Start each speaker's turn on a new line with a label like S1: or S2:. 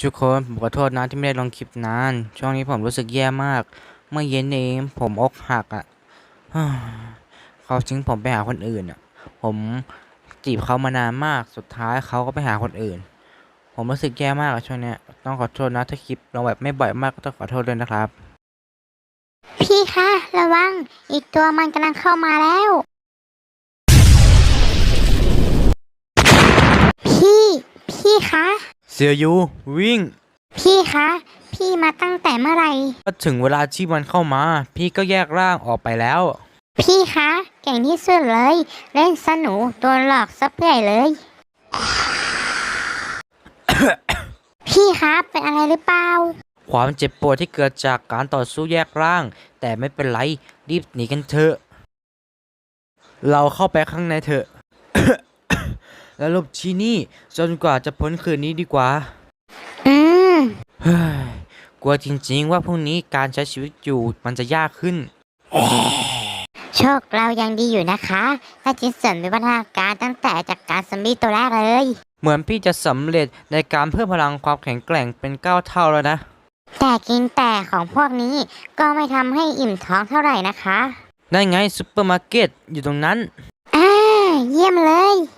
S1: ทุกคนผมขอโทษนะที่ไม่ได้ลงคลิปนานช่วงนี้ผมรู้สึกแย่มากเมื่อเย็นเองผมอกหักอ่ะเขาทิ้งผมไปหาคนอื่นอ่ะผมจีบเขามานานมากสุดท้ายเขาก็ไปหาคนอื่นผมรู้สึกแย่มากอะช่วงเนี้ยต้องขอโทษนะถ้าคลิปลงแบบไม่บ่อยมากก็ต้องขอโทษด้วยนะครับ
S2: พี่คะระวังอีกตัวมันกำลังเข้ามาแล้วพี่พี่คะ
S1: เสียยูวิ่ง
S2: พี่คะพี่มาตั้งแต่เมื่อไหร่
S1: ก็ถึงเวลาที่มันเข้ามาพี่ก็แยกร่างออกไปแล้ว
S2: พี่คะเก่งที่สุดเลยเล่นสนุกโดนหลอกซับใหญ่เลยพี่คะเป็นอะไรหรือเปล่า
S1: ความเจ็บปวดที่เกิดจากการต่อสู้แยกร่าง แต่ไม่เป็นไรรีบหนีกันเถอะเราเข้าไปข้างในเถอะ แล้วหลบที่นี่จนกว่าจะพ้นคืนนี้ดีกว่า
S2: อืม
S1: เฮ้ยกลัวจริงๆว่าพรุ่งนี้การใช้ชีวิตอยู่มันจะยากขึ้น
S2: โชคเรายังดีอยู่นะคะถ้าจินเสริมวิวัฒนาการตั้งแต่จากการซอมบี้ตัวแรกเลย
S1: เหมือนพี่จะสำเร็จในการเพิ่มพลังความแข็งแกร่งเป็น9 เท่าแล้วนะ
S2: แต่กินแต่ของพวกนี้ก็ไม่ทำให้อิ่มท้องเท่าไหร่นะคะ
S1: นั่นไงซุปเปอร์มาร์เก็ตอยู่ตรงนั้น
S2: อ่าเยี่ยมเลย